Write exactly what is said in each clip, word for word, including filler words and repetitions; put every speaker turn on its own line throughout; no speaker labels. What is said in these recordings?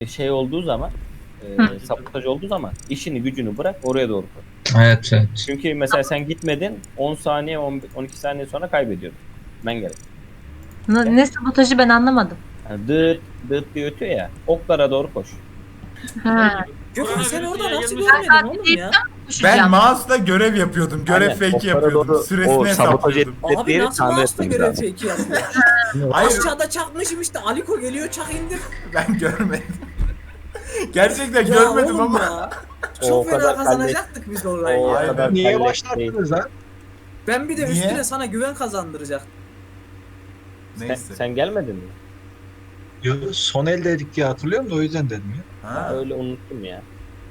şey olduğu zaman e, sabotaj olduğu zaman işini gücünü bırak oraya doğru koy.
Evet, evet.
Çünkü mesela sen gitmedin on saniye on, on iki saniye sonra kaybediyordun. Ben gerek.
Ne, ne sabotajı ben anlamadım.
Yani dıt dıt diye ötüyor ya. Oklara doğru koş.
Ha.
Gökhan sen orada
Koronavirüsü
nasıl
yayılmış.
görmedin oğlum ya?
Ben
Koşacağım.
mouse'la görev yapıyordum. Görev
Aynen,
fake
oklara
yapıyordum.
doğru
Süresini
o sabotaj
hesaplıyordum.
ettikleri
Abi
yeri
nasıl
tamir
mouse'la
etmemiz
görev
lazım.
fake yapıyor?
Hayır
Aşağıda çakmışım işte Aliko geliyor çak indir.
ben görmedim. Gerçekten
Ya
görmedim
oğlum
ama.
ya.
O
Çok
kadar
fena kazanacaktık biz orayı
O
ya.
Aynen.
kadar
Niye
kalleş
başlattınız lan?
Ben bir de
Niye?
üstüne sana güven kazandıracaktım.
Sen,
Neyse.
sen gelmedin mi?
Yo, son el dedik diye hatırlıyorum da o yüzden dedim ya.
Ben
Ha.
öyle unuttum ya.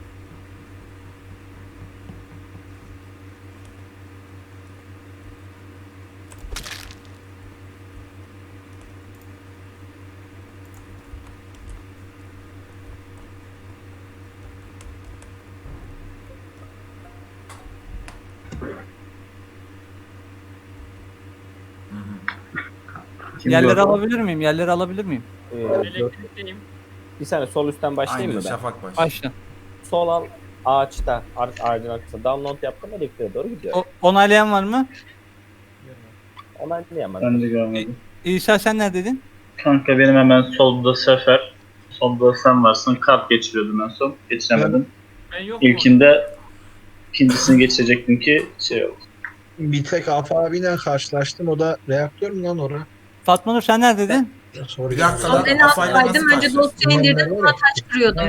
Yerleri alabilir miyim? Yerleri alabilir miyim?
Ee,
Elektrikteyim.
bir saniye sol üstten başlayayım
Aynen
mı ben?
Şafak baş.
Başla.
Sol al ağaçta ar- ağacın arkasında download yaptım elektriğe doğru gidiyor.
O, onaylayan var mı?
Ona diyemem.
Ben de görmedim.
İsa sen neredeydin?
Kanka benim hemen solda Sefer. Solda sen varsın. Kart geçiriyordum en son. Geçiremedim.
Ben yok mu?
İlkinde ikincisini geçecektim ki şey oldu.
Bir tek Afa abiyle karşılaştım. O da reaktör mü lan orada?
Fatma Nur sen neredeydin?
Sonra
Bir dakika
Sol
lan
en
Afay'la nasıl
alttaydım. Önce
karşılaştın?
dosya indirdim. Sonra taş kırıyordum.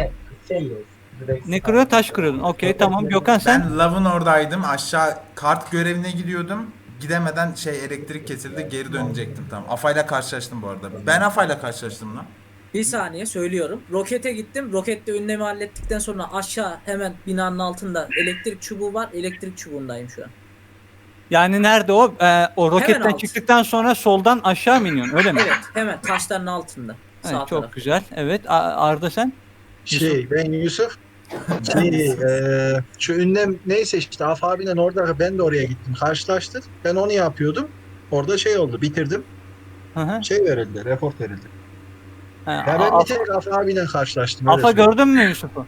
Ne kırıyor? Taş kırıyordun. Okey tamam. Gökhan sen?
Ben lavın oradaydım. Aşağı kart görevine gidiyordum. Gidemeden şey elektrik kesildi. Geri dönecektim tamam. Afay'la karşılaştım bu arada. Ben Afay'la karşılaştım lan.
Bir saniye söylüyorum. Rokete gittim. Rokette önlemi hallettikten sonra aşağı hemen binanın altında elektrik çubuğu var. Elektrik çubuğundayım şu an.
Yani nerede o? Ee, o roketten
alt.
çıktıktan sonra soldan aşağı mı iniyorsun? Öyle mi?
Evet hemen taşların altında.
Evet,
Sağ
çok
taraf.
güzel. Evet. A- Arda sen?
Şey ben Yusuf. Şey, eee, şu ünlem neyse işte Afa abiyle orada ben de oraya gittim. Karşılaştık. Ben onu yapıyordum. Orada şey oldu. Bitirdim.
Hı hı.
Şey verildi. Report verildi.
Ha,
Ya ben
A-
bir tek Afa abiyle karşılaştım. öyle
Afa
söyleyeyim.
gördün mü Yusuf'u?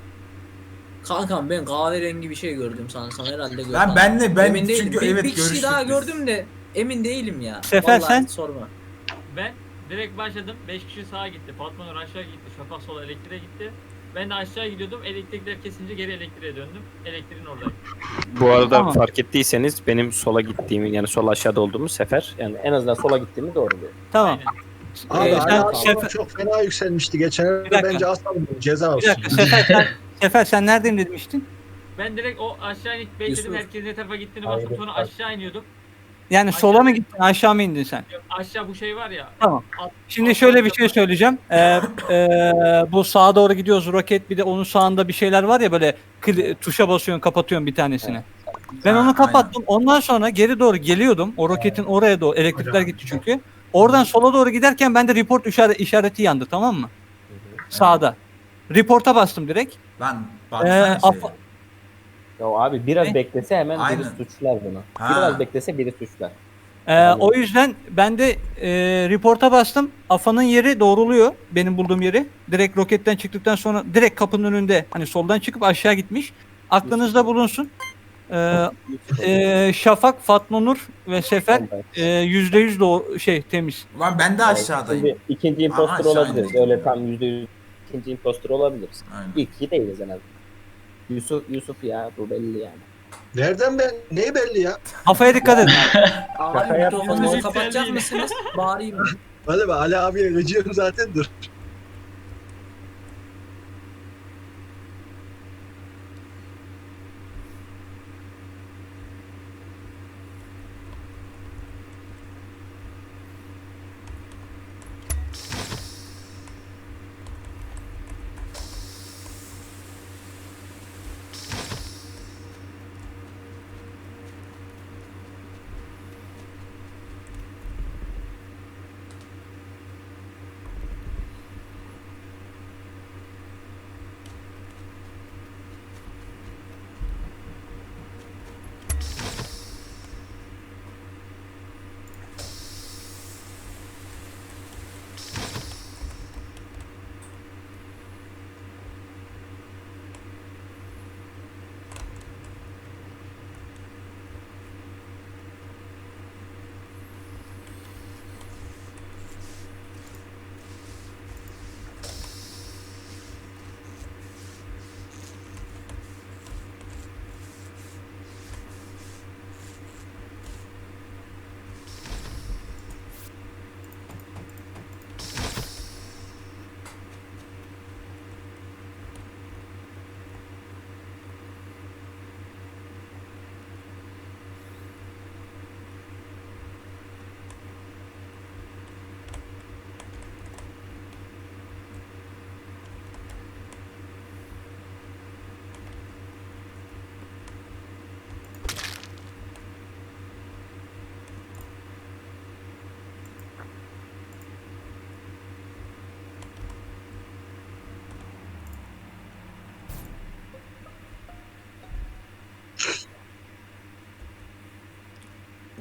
Kankam ben kahverengi bir şey gördüm sanırsam herhalde gördüm.
Lan ben de ben
emin değilim.
çünkü
bir,
evet
bir kişi
görüştük
daha
biz.
gördüm de emin değilim ya.
Sefer,
Vallahi
sen?
sorma.
Ben direkt başladım. beş kişi sağa gitti. Fatma Nur aşağı gitti. Şafak sola elektriğe gitti. Ben de aşağı gidiyordum. Elektrikler kesince geri elektriğe döndüm. Elektriğin oradayım.
Bu arada
Tamam.
fark ettiyseniz benim sola gittiğimi yani sol aşağıda olduğumuz sefer yani en azından sola gittiğimi doğru diyor.
Tamam.
Abi
Ee,
Ali
sen
abi
Sefer-
çok fena yükselmişti geçen
Bir
ay.
dakika.
Bence asalım ceza
Bir
olsun.
dakika. Sefer sen, Sefer sen neredeyim demiştin?
Ben direkt o aşağı inip bekledim.
Yusuf.
Herkesin ne tarafa gittiğini baktım. Sonra aşağı iniyordum.
Yani
Aşağı-
sola mı gittin aşağı mı indin sen?
Aşağı bu şey var ya.
Tamam.
alt-
Şimdi
alt
şöyle bir
tarafta-
şey söyleyeceğim. Ee, e, bu sağa doğru gidiyoruz roket bir de onun sağında bir şeyler var ya böyle kli- tuşa basıyorsun kapatıyorsun bir tanesini. Ben
Ha,
onu kapattım. Ondan sonra geri doğru geliyordum. O roketin oraya doğru elektrikler gitti çünkü. Oradan sola doğru giderken bende report işare- işareti yandı tamam mı? Sağda. Report'a bastım direkt.
Lan
Ee,
baksana şey.
Afa-
Ya abi biraz
Ne?
beklese hemen
Aynen.
biri suçlar bunu.
Ha.
Biraz beklese biri suçlar.
Ee, o yüzden ben de e, report'a bastım. Afa'nın yeri doğruluyor. Benim bulduğum yeri. Direkt roketten çıktıktan sonra direkt kapının önünde hani soldan çıkıp aşağı gitmiş. Aklınızda bulunsun. Ee, e, Şafak, Fatma Nur ve Sefer e, yüzde yüz doğru şey temiz.
Lan ben de aşağıdayım.
Şimdi ikinci impostor
aşağı
olabiliriz.
indik.
Öyle tam yüzde yüz ikinci impostor olabiliriz.
Aynen.
İlk iki değiliz en azından. Yusuf, Yusuf ya bu belli yani.
Nereden ben? Neyi belli ya?
Afa'ya dikkat edin.
Abi
Şaka yapma.
mikrofonunuzu
Müzik
kapatacak
geldi.
mısınız? Bağırayım mı?
Hadi be Ali abiye gıcığım zaten dur.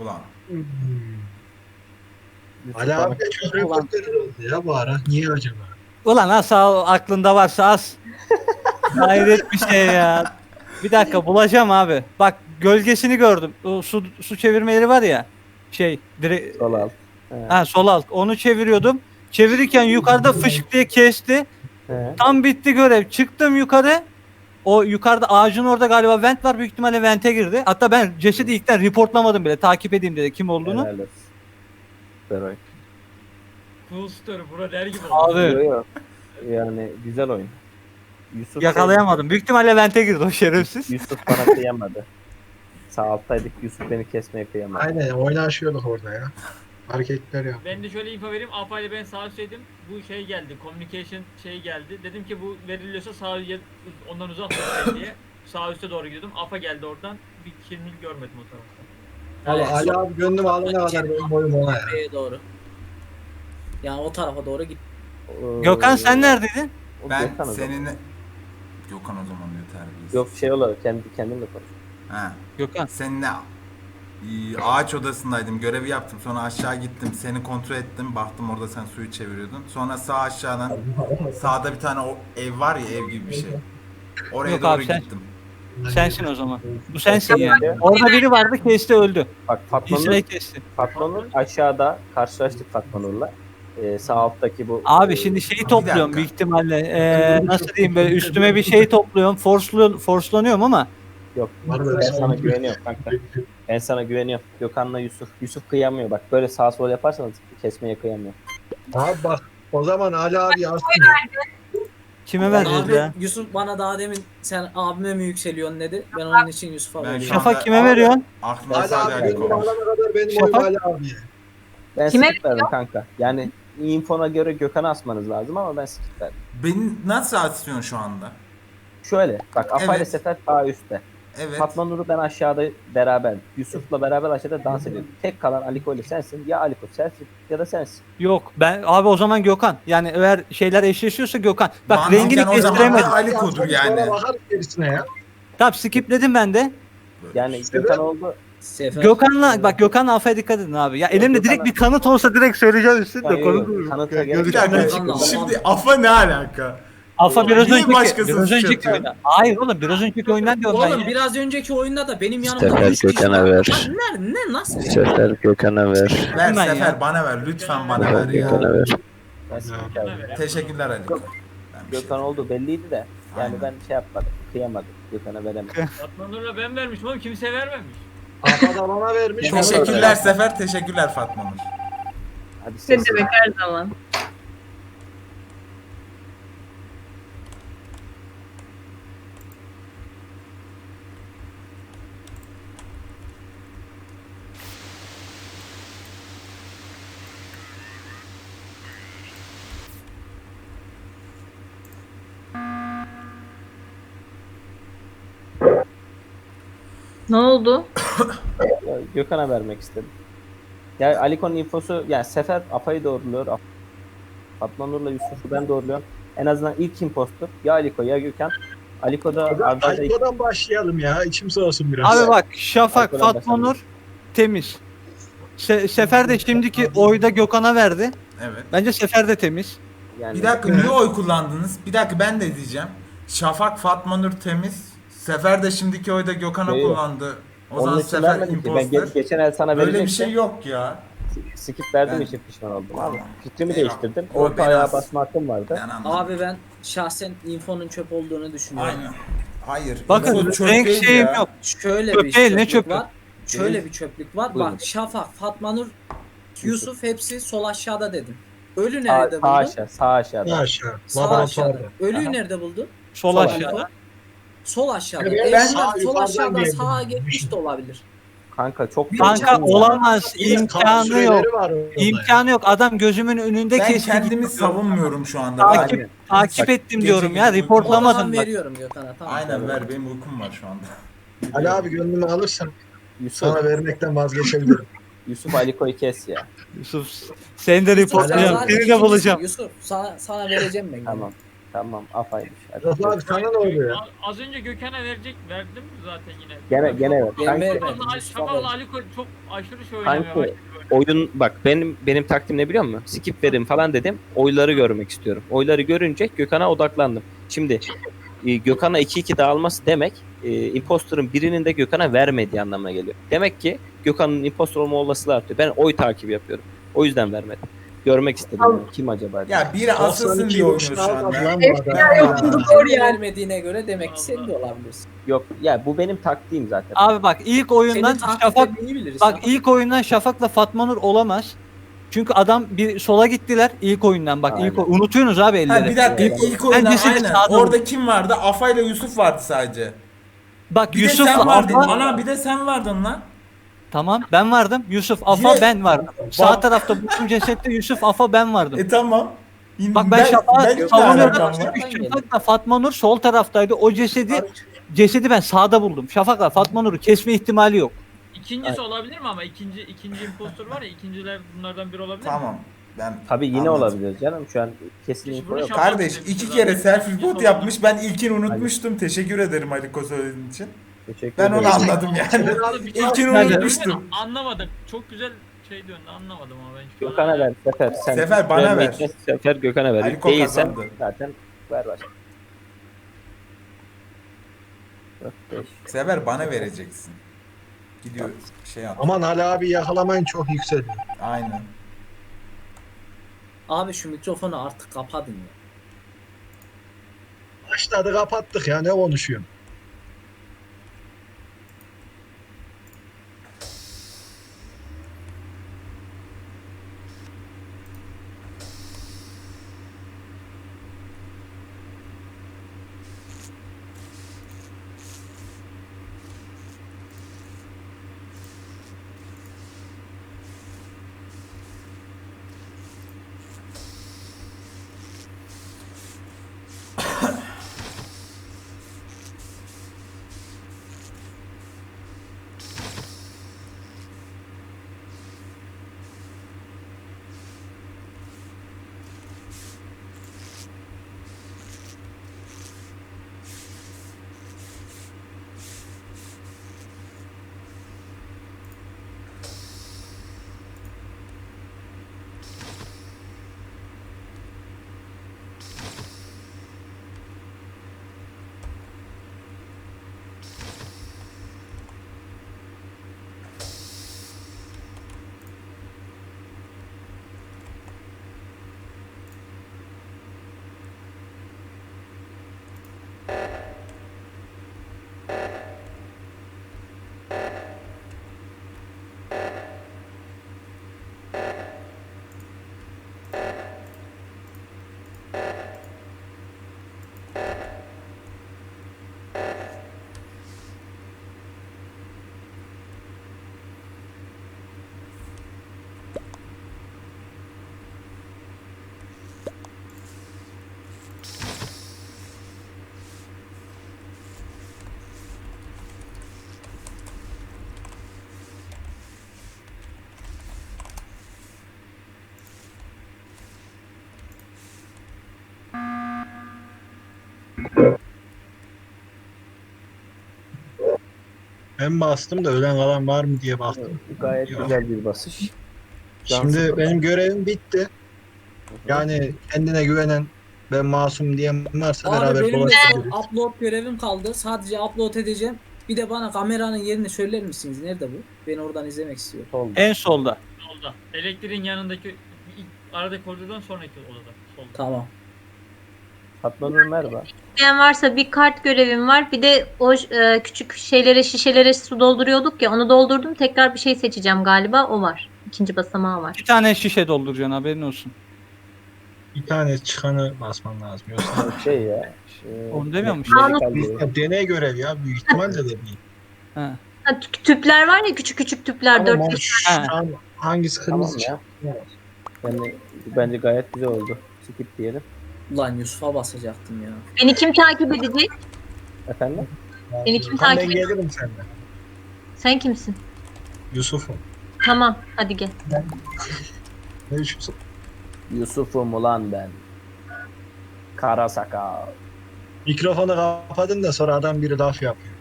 Ulan.
Hmm.
Yusuf
Ali
bana-
abi de çok reporter oldu ya bu ara. Niye acaba?
Ulan asal aklında varsa az. Hayret bir şey ya. Bir dakika bulacağım abi. Bak gölgesini gördüm. O su, su çevirmeleri var ya. Şey direkt
Sol alt. He.
ha, sol alt. Onu çeviriyordum. Çevirirken yukarıda fışık diye kesti.
He.
Tam bitti görev. Çıktım yukarı. O yukarıda ağacın orada galiba vent var. Büyük ihtimalle vente girdi. Hatta ben cesedi ilkten reportlamadım bile. Takip edeyim dedi kim olduğunu.
Helal olsun. Süper oyun.
Cool story. Bura der gibi oldu.
Abi
Yo, yo. Yani güzel oyun. Yusuf
yakalayamadım. Büyük ihtimalle vente girdi o şerefsiz.
Yusuf bana kıyamadı. Sağ alttaydık. Yusuf beni kesmeye kıyamadı.
Aynen oynaşıyorduk orada ya. Hareketler yap.
Ben de şöyle info vereyim. Afa ile ben sağ üstteydim. Bu şey geldi. Communication şey geldi. Dedim ki bu veriliyorsa sağ yer- ondan uzak tutayım diye. Sağ üste doğru gidiyordum. Afa geldi oradan. Bir kirmil görmedim o tarafta.
Valla Ali abi gönlüm alana kadar benim boyum ona ya.
Şeye doğru. Yani o tarafa doğru git.
Ee,
Gökhan sen neredeydin?
o
Ben
Gökhan o zaman.
seninle... Gökhan o zaman diyor terbiyesiz.
Yok şey olarak kendi kendimle konuş.
Ha.
Gökhan.
Seninle e, ağaç odasındaydım. Görevi yaptım. Sonra aşağı gittim. Seni kontrol ettim. Baktım orada sen suyu çeviriyordun. Sonra sağ aşağıdan sağda bir tane o ev var ya ev gibi bir şey. Oraya
Yok
doğru
abi, sen-
gittim.
Sensin o zaman. Bu sensin yani.
Neydi?
Orada biri vardı kesti öldü.
Bak Fatma Nur,
İsrail kesti.
Fatma Nur aşağıda karşılaştık Fatma Nur'la. Ee, sağ alttaki bu.
Abi
e,
şimdi şey
Bir
topluyorum
dakika.
büyük ihtimalle. Ee, nasıl diyeyim böyle üstüme bir şey topluyorum. Forslu, forslanıyorum ama
Yok
Var
ben sana güveniyorum kanka. Ben sana güveniyorum. Gökhan'la Yusuf. Yusuf kıyamıyor bak. Böyle sağ sol yaparsanız kesmeye kıyamıyor.
Abi bak o zaman Ali abi yazsın.
kime vereceğiz
Abi,
ya?
Yusuf bana daha demin sen abime mi yükseliyorsun dedi. Ben onun için Yusuf'a
Ben
veriyorum.
şu
Şafak
anda-
kime veriyorsun?
Aklımda
Ali
sadece
abi
Ali
gönlüm
kalmış.
alana kadar benim
Şafak?
boyum Ali abiye.
Ben
Kime
skip verdim kanka. Yani infona göre Gökhan'ı asmanız lazım ama ben skip verdim.
Beni nasıl atıyorsun şu anda?
Şöyle bak Afa ile
Evet.
Sefer sağ üstte.
Evet.
Fatma Nur'u ben aşağıda beraber. Yusuf'la beraber aşağıda dans ediyorduk. Tek kalan Aliko ile sensin. Ya Aliko sensin ya da sensin.
Yok ben abi o zaman Gökhan. Yani eğer şeyler eşleşiyorsa Gökhan. Bak
Mantıken
rengini
o zaman
kestiremedim.
da Ali Kodur yani.
Sonra bakarız gerisine ya.
Tamam skipledim ben de.
Yani
Sefer-
Gökhan oldu.
Sefer.
Gökhan'la bak Gökhan'la Afa'ya dikkat edin abi. Ya elimde
Gökhan'a-
direkt bir kanıt olsa direkt söyleyeceğim üstüne
Hayır,
de
yok,
konu.
kanıta gerek
Bir
yok.
dakika.
Gökhan'la
Şimdi
Afa-
Afa ne alaka?
Afa biraz
Niye
önceki,
başkasını
biraz önceki
suçlatıyor?
oyundan. Hayır oğlum biraz önceki oyundan diyorum ben
Oğlum
ya.
biraz önceki oyunda da benim yanımda
Sefer
üç kişi
Gökhan'a
var.
ver.
Lan Ne, ne nasıl?
Sefer Gökhan'a ver.
Ver
Ben ya.
Sefer bana ver. Lütfen bana ver ya.
ver. Ben skip verdim.
Teşekkürler Ali. Ben bir şey-
Gökhan oldu belliydi de. Yani
Aynen.
ben şey yapmadım. Kıyamadım. Gökhan'a veremedim.
Fatma Nur'la ben vermişim ama kimse vermemiş.
Afa da bana vermiş. ona da
Teşekkürler
vermiş.
Sefer. Teşekkürler Fatma Nur.
Hadi
Ne
ses.
demek her zaman. Ne oldu?
Ya, Gökhan'a vermek istedim. Ya Aliko'nun infosu yani Sefer Afa'yı doğruluyor. Af- Fatma Nur'la Yusuf'u ben doğruluyorum. En azından ilk impostor ya Aliko ya Gökhan. Aliko da Arda'da
Aliko'dan başlayalım ya. İçim soğusun biraz.
Abi bak Şafak,
Arkadan
Fatma
bakalım.
Nur temiz. Se- Sefer de şimdiki oyda Gökhan'a verdi.
Evet.
Bence Sefer de temiz.
yani
Bir dakika niye oy kullandınız? Bir dakika ben de diyeceğim. Şafak Fatma Nur temiz. Sefer de şimdiki oyda Gökhan'a
Yok, yok.
kullandı. O
onun
zaman
için
Sefer
vermedim ki. Ben
imposter.
ge- geçen el sana
Böyle bir
verecektim.
şey yok ya.
Skip verdiğim
Ben-
için pişman oldum abi.
Tamam.
Fikrimi
Eyvallah.
değiştirdim.
O
Orta
biraz-
ayağa basma hakkım vardı.
Ben anladım.
Abi ben şahsen infonun çöp olduğunu düşünüyorum.
Aynen. Hayır.
Bakın
info çöp
renk
değil
şeyim
ya.
yok.
Şöyle
Çöp
bir
değil, ne
çöplük
çöpü?
var. Şöyle
Değil.
bir çöplük var.
Buyurun.
Bak Şafak, Fatma Nur, Yusuf hepsi sol aşağıda dedim. Ölü
Sağ,
nerede
sağ
buldun?
aşağı, sağ aşağıda.
Aşağı.
Sağ
Laboratuvarda.
aşağıda. Ölüyü
Aha.
nerede buldun?
Sol
Sol
aşağıda.
Sol aşağıda.
Evet,
Eğer
ben
sol
sağ yukarıdan
aşağıdan
geldim.
sağa geçmiş de olabilir.
Kanka çok
Kanka
yakın ya.
olamaz.
Bir de kan
imkanı
süreleri
yok.
var orada ya.
İmkanı yok. Adam gözümün önünde
Ben
kesti.
kendimi
gitti.
savunmuyorum şu anda.
Takip,
Aynen.
takip ettim
Gece
diyorum
gece
ya.
uyku-
O
Reportlamadım
zaman
bak.
veriyorum Gökhan'a. Tamam.
Aynen ver benim uykum var şu anda.
Ali abi gönlümü alırsan
Yusuf,
sana vermekten vazgeçebilirim.
Yusuf Aliko'yu kes ya.
Yusuf seni de
Yusuf, sen
reportlayacağım.
zaten
Seni de
ikincisin.
bulacağım.
Yusuf sana, sana vereceğim ben.
Tamam. Tamam afaymış. Hadi.
Yok abi sana ne oluyor?
A- Az önce Gökhan'a verecek verdim zaten yine.
Gene gene evet.
Ben
Kanki,
vermedim.
Şafak'la
Yusuf'a
Şafak'la
verdim.
Aliko çok aşırı şey oynamaya
Kanki,
başladı.
oyun bak benim benim taktiğim ne biliyor musun? Skip verin falan dedim. Oyları görmek istiyorum. Oyları görünce Gökhan'a odaklandım. Şimdi e, Gökhan'a iki iki dağılması demek e, imposter'ın birinin de Gökhan'a vermediği anlamına geliyor. Demek ki Gökhan'ın imposter olma olasılığı artıyor. Ben oy takibi yapıyorum. O yüzden vermedim. Görmek istedim. Yani. Kim acaba? diye.
Ya biri asılsın diye oynuyor şu
almadı
anda.
lan bu
Evet,
adam.
ya,
Ya.
yok, bu
Doğru
yani.
vermediğine göre demek ki sen de olabilirsin.
Yok ya bu benim taktiğim zaten.
Abi bak ilk oyundan
Senin
Şafak
taktiklerini iyi biliriz.
bak
Şafak.
ilk oyundan Şafak'la Fatma Nur olamaz. Çünkü adam bir sola gittiler ilk oyundan bak ilk
Aynen.
oy- unutuyorsunuz abi
Ha
elleri.
bir dakika
Evet.
ilk oyunda
Bence seni
aynen.
sağdan-
Orada kim vardı? Afa ile Yusuf vardı sadece.
Bak
Bir de
Yusuf'la
sen vardın.
Afa
Ana bir de sen vardın lan.
tamam ben vardım. Yusuf Afa
Yine-
ben vardım. Sağ
Bak-
tarafta buldum cesette Yusuf Afa ben vardım.
E tamam. Yine-
Bak ben Şafak'ı
ben hiç
savunuyorum.
alakam var.
Çünkü Şafak'la Fatma Nur sol taraftaydı. O cesedi cesedi ben sağda buldum. Şafak'la Fatma Nur'u kesme ihtimali yok.
İkincisi olabilir mi ama ikinci ikinci impostor var ya ikinciler bunlardan biri olabilir mi?
Tamam. Ben
Tabii yine
anladım.
olabilir canım. Şu an kesin
Hiç
info
bunu
yok.
Şafak
Kardeş
dedim
iki
zaten.
kere self report
İkincisi
yapmış. Ben ilkini unutmuştum. Teşekkür ederim Aliko söylediğin için.
Teşekkür
Ben onu
ederim.
anladım yani.
olabilir. Bir-
İlkini
Ben de-
unutmuştum.
Anlamadım. Çok güzel şey diyorsun anlamadım ama ben şu an-
Gökhan'a ver Sefer. Sen
Sefer, bana
vermeyi
ver.
kes, Sefer Gökhan'a ver.
Aliko
Değilsen
kazandı.
zaten ver başla. dört, beş.
Sever bana vereceksin. Gidiyor şey yap.
Aman Ali abi yakalamayın çok yükseliyor.
Aynen.
Abi şu mikrofonu artık kapadın ya.
Başladı kapattık ya ne konuşuyorum. Ben bastım da ölen kalan var mı diye baktım.
Gayet
Yok.
güzel bir basış. Can
Şimdi
sıkıntı.
benim görevim bitti. Yani kendine güvenen ben masum diyen varsa
Abi
beraber
benim de
dolaşabiliriz.
son upload görevim kaldı. Sadece upload edeceğim. Bir de bana kameranın yerini söyler misiniz? Nerede bu? Ben oradan izlemek istiyorum.
Solda.
En solda.
Solda. Elektriğin yanındaki ilk aradaki koridordan sonraki odada. Solda.
Tamam.
Fatma Nur merhaba.
İsteyen varsa bir kart görevim var. Bir de o e, küçük şeylere, şişelere su dolduruyorduk ya. Onu doldurdum. Tekrar bir şey seçeceğim galiba. O var. İkinci basamağı var.
Bir tane şişe dolduracaksın haberin olsun.
Bir tane çıkanı basman lazım. Yoksa
Şey ya. Şey,
Onu demiyor mu?
medikal görev.
Ya deney görev ya büyük ihtimalle de değil.
Ha.
Ha, tü- tüpler var ya, küçük küçük tüpler.
Tamam,
dört
ama
beş
şu
Ha.
an hangisi
Tamam
kırmızı
ya. Yani bence gayet güzel oldu. Skip diyelim.
Ulan Yusuf'a basacaktım ya.
Beni kim takip edecek?
Efendim?
Beni kim
Tamam, ben
takip edecek?
gelirim senden.
Sen kimsin?
Yusuf'um.
Tamam. Hadi gel.
Ne Yusuf?
Yusuf'um ulan ben. Kara sakal.
Mikrofonu kapadın da sonra adam biri laf yapıyor.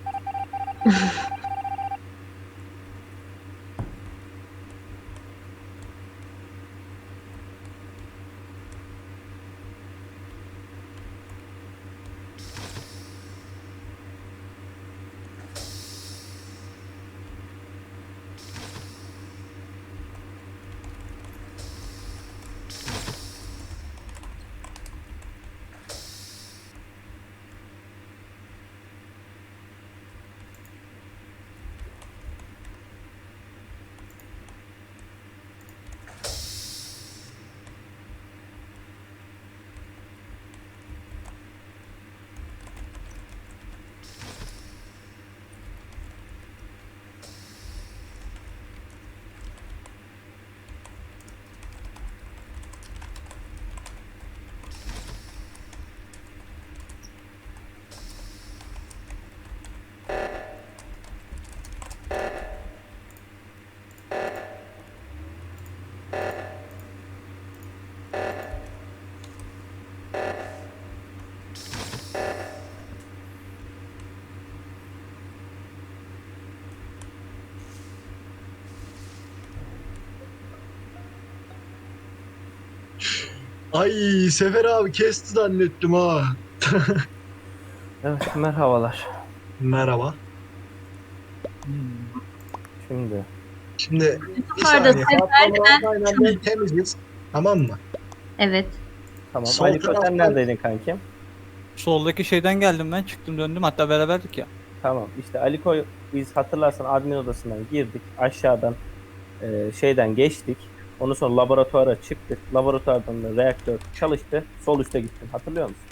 Ay Sefer abi kesti zannettim ha.
Evet, merhabalar.
Merhaba.
Şimdi
Şimdi bir
Yukarıda
saniye.
Sefer,
Fatma Nurhan'la ben temiziz. Tamam mı?
Evet.
tamam.
Sol
Aliko sen
taraftan-
neredeydin kankim?
Soldaki şeyden geldim ben. Çıktım döndüm. Hatta beraberdik ya.
Tamam. İşte Aliko biz hatırlarsan admin odasından girdik. Aşağıdan e, şeyden geçtik. Ondan sonra laboratuvara çıktık. Laboratuvardan da reaktör çalıştı. Sol üste gittin. Hatırlıyor musun?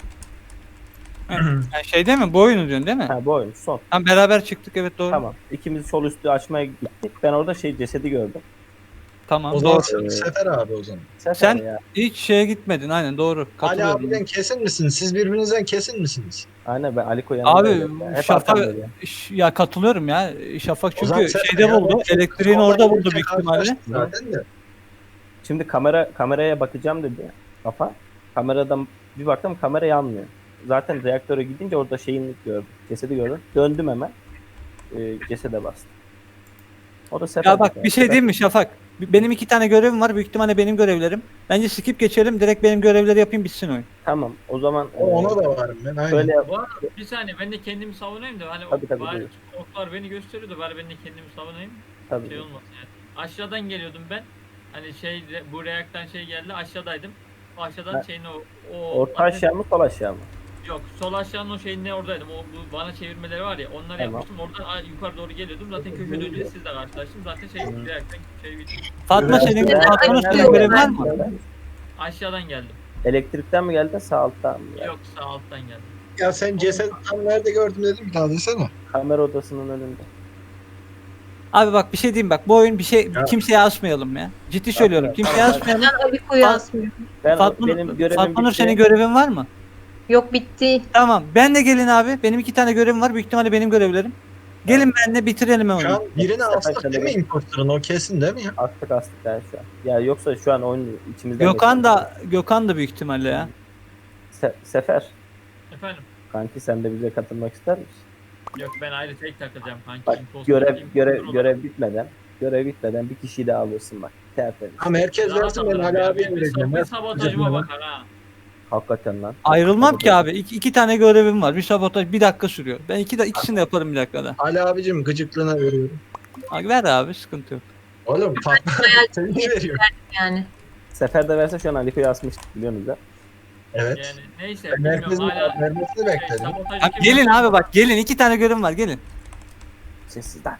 Yani şey değil mi? Bu oyunu diyorsun değil mi?
Ha bu oyun son.
Ha, beraber çıktık evet doğru. Tamam.
Tamam. İkimiz sol üstü açmaya gittik. Ben orada şey cesedi gördüm.
Tamam
O zaman
doğru.
sen- Sefer abi o zaman.
Sefer
Sen-
ya.
Hiç şeye gitmedin aynen doğru.
Ali
Katılıyorum.
abiden kesin misiniz? Siz birbirinizden kesin misiniz?
Aynen ben Aliko yanındaydım.
Abi
ya. Hep
Şafak
arkamdaydı ya.
Ş- ya katılıyorum ya. Şafak
O zaman
çünkü
Sefer
şeyde
ya,
buldu.
ben çok
Elektriğin
soldan
orada buldu
gelirken
büyük ihtimalle.
karşılaştım Zaten de.
Şimdi kamera kameraya bakacağım dedi kafa. Kameradan bir baktım kamera yanmıyor. Zaten reaktöre gidince orada şeyini gördüm. Cesedi gördüm. Döndüm hemen. E, cesede bastım. O da Sefer.
Ya bak bir şey diyeyim mi Şafak? Benim iki tane görevim var. Büyük ihtimalle benim görevlerim. Bence skip geçelim. Direkt benim görevleri yapayım bitsin oyun.
Tamam. O zaman e,
O- Ona da varım ben. Aynen.
şöyle yap.
Bu arada bir saniye ben de kendimi savunayım da hani
Tabii, tabii,
bari
buyur.
oklar beni gösteriyor da bari ben de kendimi savunayım.
Tabii.
Şey olmasın yani. Aşağıdan geliyordum ben. Hani şey bu reaktan şey geldi aşağıdaydım. O aşağıdan
Ha.
şeyin o o
Orta aşağı mı sol aşağı mı?
Yok sol aşağının o şeyin ne oradaydım. O bu bana çevirmeleri var ya onları
Tamam.
yapmıştım. Oradan a- yukarı doğru geliyordum. Zaten köşe dönünce sizle karşılaştım. Zaten şey
Hı.
reaktan şey bitti.
Fatma
Evet.
senin
Evet.
Fatma'nın
Evet.
senin görevin var mı?
Aşağıdan geldim.
Elektrikten mi geldin sağ alttan mı? geldin?
Yok sağ alttan geldim.
Ya sen ceset tam nerede gördün dedim bir daha desene.
Kamera odasının önünde.
Abi bak bir şey diyeyim bak bu oyun bir şey
Ya.
kimseye asmayalım ya. Ciddi söylüyorum. Kimseye
Tamam.
asmayalım.
Ben Aliko'yu
Fa-
asmıyorum.
Ben
Fatma,
benim görevim
Fatma Nur
bitti.
senin görevin var mı?
Yok bitti.
Tamam. Ben de gelin abi. Benim iki tane görevim var. Büyük ihtimalle benim görevlerim. Gelin benimle bitirelim
Şu
oyunu.
an birini
Sefer
astık değil mi
söylemek-
imposterın? O kesin değil mi ya?
Astık astık yani şu an. Ya yoksa şu an oyun içimizden
Gökhan
geçiyor.
da Gökhan da büyük ihtimalle ya.
Se- Sefer.
Efendim.
Kanki sen de bize katılmak ister misin?
Yok ben ayrı tek takılacağım kanki.
Bak
Imposter
görev
değilim.
görev
Dur
görev bitmeden görev bitmeden bir kişiyi daha alırsın bak. Tertemiz.
Ama herkes
Rahat
versin ben
alırım
Ali
ya.
abiye
Bir- bir
vereceğim.
sab-
ya.
Bir sabotajıma bakar ha.
Hakikaten lan.
Ayrılmam ki abi. İki, iki tane görevim var. Bir sabotaj bir dakika sürüyor. Ben iki de ikisini de yaparım bir dakikada.
Ali abicim gıcıklığına veriyorum.
Abi ver abi sıkıntı yok.
Oğlum Fatma seni veriyor.
Yani.
Sefer de verse şu an Aliko'yu asmıştık biliyorsunuz da.
Evet.
Yani neyse
Ben
bilmiyorum
herkesin
hala
vermesini
şey,
bekledim.
sabotajı
Abi
kim
gelin
yapıyor?
abi bak gelin. iki tane görevim var gelin.
Sessizden.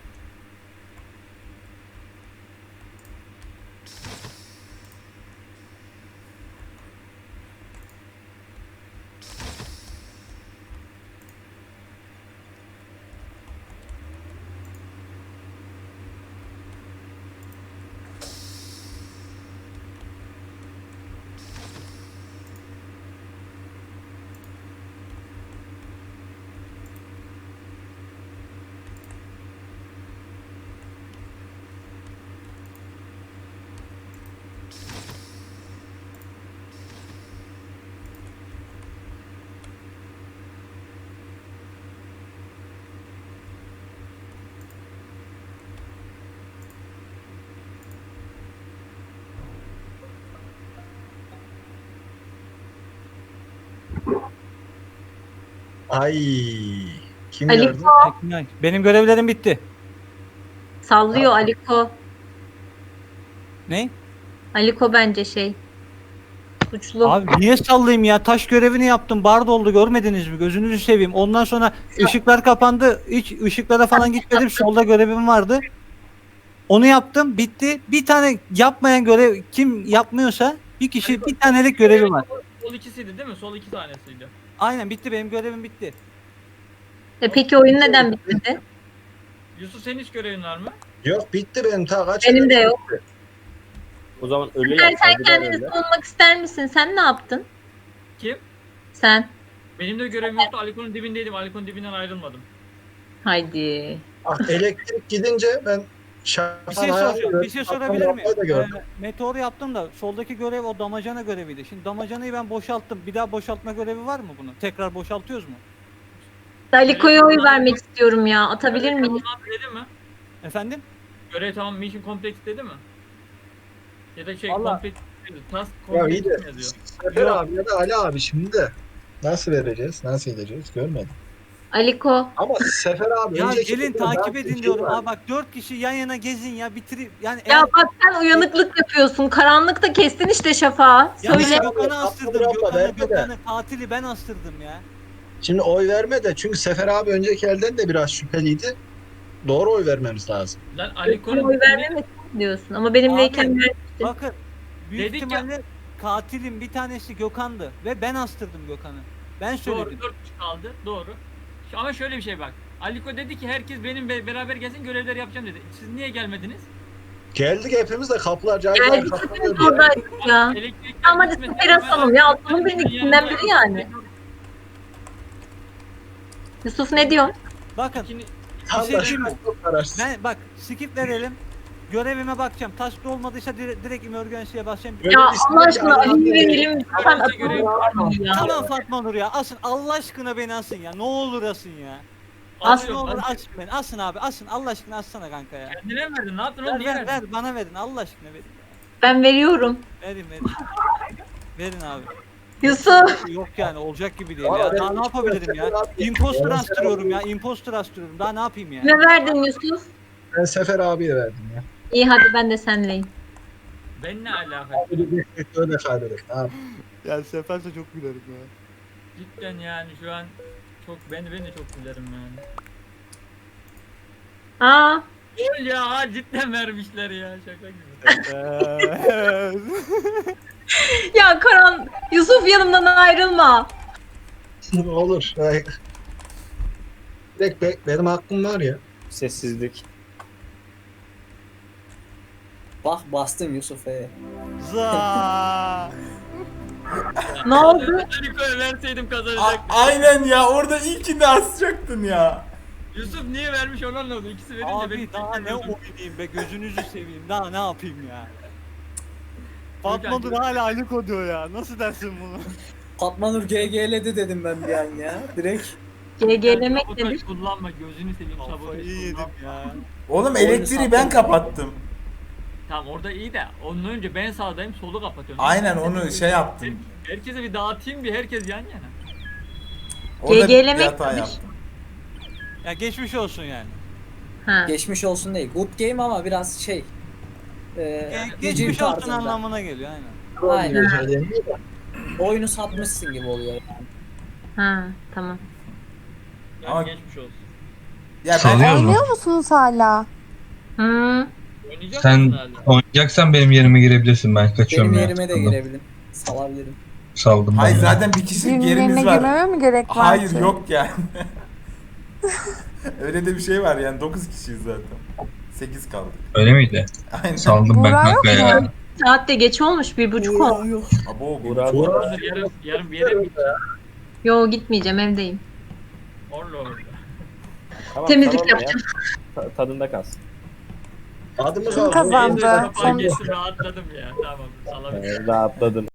Ay. Kim
Ali-
gördü?
Benim görevlerim bitti.
Sallıyor Aliko.
Ne?
Aliko bence şey. Suçlu.
Abi niye sallayayım ya? Taş görevini yaptım. Bar doldu görmediniz mi? Gözünüzü seveyim. Ondan sonra ışıklar kapandı. Hiç ışıklara falan gitmedim. Solda görevim vardı. Onu yaptım. Bitti. Bir tane yapmayan görev kim yapmıyorsa bir kişi bir tanelik görevi var.
Sol ikisiydi değil mi? Sol iki tanesiydi.
Aynen bitti. Benim görevim bitti.
E peki oyun neden bitmedi?
Yusuf senin hiç görevin var mı?
Yok bitti benim ta kaç
Benim
kere
de yok.
bitti.
O zaman ölü
Sen,
yap.
sen
saygıdeğer
kendini
ölü.
savunmak ister misin? Sen ne yaptın?
Kim?
Sen.
Benim de görevim yoktu. Aliko'nun dibindeydim. Aliko'nun dibinden ayrılmadım.
Haydi.
Ah, elektrik gidince ben
Bir
şafan
şey
ayağı
soracağım. Bir şey sorabilir miyim?
da gördüm.
Ee, meteor yaptım da soldaki görev o damacana göreviydi. Şimdi damacanayı ben boşalttım. Bir daha boşaltma görevi var mı bunun? Tekrar boşaltıyoruz mu?
Aliko'ya oy vermek istiyorum ya. Atabilir miyim?
Tamam dedi mi?
Efendim?
Görev tamam, mission complete dedi mi? Ya da şey
Allah.
complete dedi. Task
Ya iyi
complete
de
yazıyor.
Sefer abi ya da Ali abi şimdi de nasıl vereceğiz? Nasıl edeceğiz? Görmedim.
Aliko.
Ama Sefer abi
Ya
önceki
gelin
turda
takip
daha bir
edin
şey
diyorum.
var.
Aa bak dört kişi yan yana gezin ya bitirip yani
Ya
eğer-
bak sen uyanıklık yapıyorsun. Karanlıkta kestin işte şafağı.
ya
Söyle.
ben Gökhan'ı
Abla,
astırdım.
abla,
Gökhan'ı
verme de.
Gökhan'ı katili ben astırdım ya.
Şimdi oy verme de çünkü Sefer abi önceki elden de biraz şüpheliydi. Doğru oy vermemiz lazım.
Lan
Aliko'ya
Aliko'nun
oy vermemek diyorsun. Ama benimleyken
Abi,
ver.
Bakın büyük
Dedik ya-
ihtimalle katilin bir tanesi Gökhan'dı ve ben astırdım Gökhan'ı. Ben söyledim.
doğru dört kişi kaldı. Doğru. Şu- Ama şöyle bir şey bak. Aliko dedi ki herkes benim be- beraber gelsin görevler yapacağım dedi. Siz niye gelmediniz?
Geldik hepimiz de kapılar cayır cayır
Geldik
kapatıyor
hepimiz
diye.
oradaydık ya.
Elektrikler
Ama hadi
gitmedi.
Sefer asalım ya. Asalım benim ikisinden biri yani. Yusuf ne diyorsun?
Bakın
İkini-
Tam
şey
da
diyeyim mi?
çok kararsız.
ben bak skip verelim. Görevime bakacağım. Task olmadıysa dire- direkt emergency'ye basacağım.
Böyle
Ya
bir şey
Allah aşkına
yok.
Ali verelim. Lütfen
Öğrenci görevi-
atalım ya.
Tamam Fatma Nur ya. Asın Allah aşkına beni asın ya. Ne olur asın ya.
As-
Asın ne
Alıyorum,
olur
alıyorum.
asın beni. Asın abi asın. Allah aşkına assana kanka ya.
Kendine mi verdin? Ne yaptın oğlum?
Ver
Niye
ver
verdin?
ver bana verin. Allah aşkına verin.
Ben veriyorum.
Verin verin. Verin abi.
Yusuf.
Yok yani olacak gibi değil
Valla
ya.
ben
Daha ne yapabilirim ya?
Sefer abi-
Imposter
Ben
astırıyorum ya. Imposter astırıyorum. Daha ne yapayım ya?
Ne verdin Yusuf?
Ben Sefer abiye verdim ya.
İyi hadi ben de senleyim.
Ben ne alaka?
Öyle kaybederim. Tamam.
Ya seferse çok gülerim ya.
Cidden yani şu an çok ben ben de çok gülerim yani.
Aa.
Ol ya ha, cidden vermişler ya şaka gibi.
Ya Karan. Yusuf yanımdan ayrılma.
Olur. Ay. Direkt be- benim hakkım var ya.
Sessizlik.
Bak bastım Yusuf'e.
Za.
Ne oldu?
Aliko'ya verseydim
A-
kazanacaktım.
aynen ya orada ilkini asacaktın ya.
Yusuf niye vermiş onu anlamadım. İkisi verince
Abi
beni
daha ne
çekemiyordum.
oynayayım be gözünüzü seveyim. Daha ne yapayım ya? Fatma
Hocam,
Dur hala Aliko diyor ya. Nasıl dersin bunu?
Fatma Nur G G'ledi dedim ben bir an ya. Direkt.
G G'lemek
Sabotaj
nedir?
kullanma gözünü seveyim sabotaj
Kafayı yedim
kullanma.
ya.
Oğlum
Oyunu
elektriği ben
sattın.
kapattım.
Tamam orada iyi de onun önce ben sağdayım solu kapatıyorum.
Aynen onu şey yaptım.
Herkese bir dağıtayım bir herkes yan yana.
Orada bir
G G'lemek
hata
nedir?
yaptım.
Ya geçmiş olsun yani.
Ha.
Geçmiş olsun değil. Good game ama biraz şey. E,
Ge-
hücum
geçmiş olsun
tarzında.
anlamına geliyor aynen.
Aynen.
Aynen.
Oyunu satmışsın gibi oluyor yani.
Ha tamam.
Yani
Ama-
geçmiş olsun.
Ya ben
Sanıyoruz mu? musunuz hala?
Hı.
Oynayacak
Sen
mısın hala?
oynayacaksan benim yerime girebilirsin, ben kaçıyorum
Benim
ya.
yerime de
Saldım.
girebilirim. Salabilirim.
Saldım
hayır
ben. ya.
zaten bir kişilik
Birinin
yerimiz
yerine
var.
girmeme mi gerek var
Hayır
ki?
yok yani. Öyle de bir şey var yani dokuz kişiyiz zaten. sekiz kaldık.
Öyle miydi?
Aynen.
Saldım ben Buğra yok kanka ya.
Saat de geç olmuş. Bir buçuk oldu.
Abo bu.
Burak-
Dur, yarın, yarın bir yere mi gideceksin?
Yo gitmeyeceğim evdeyim.
Orla orla.
Tamam,
Temizlik
tamam ya.
yapacağım.
Ta- tadında kalsın.
Adımı
Kim kazandı?
Neyse, kapağı
Son-
geçtim rahatladım ya. Tamam salabilirim.
Ee, rahatladın.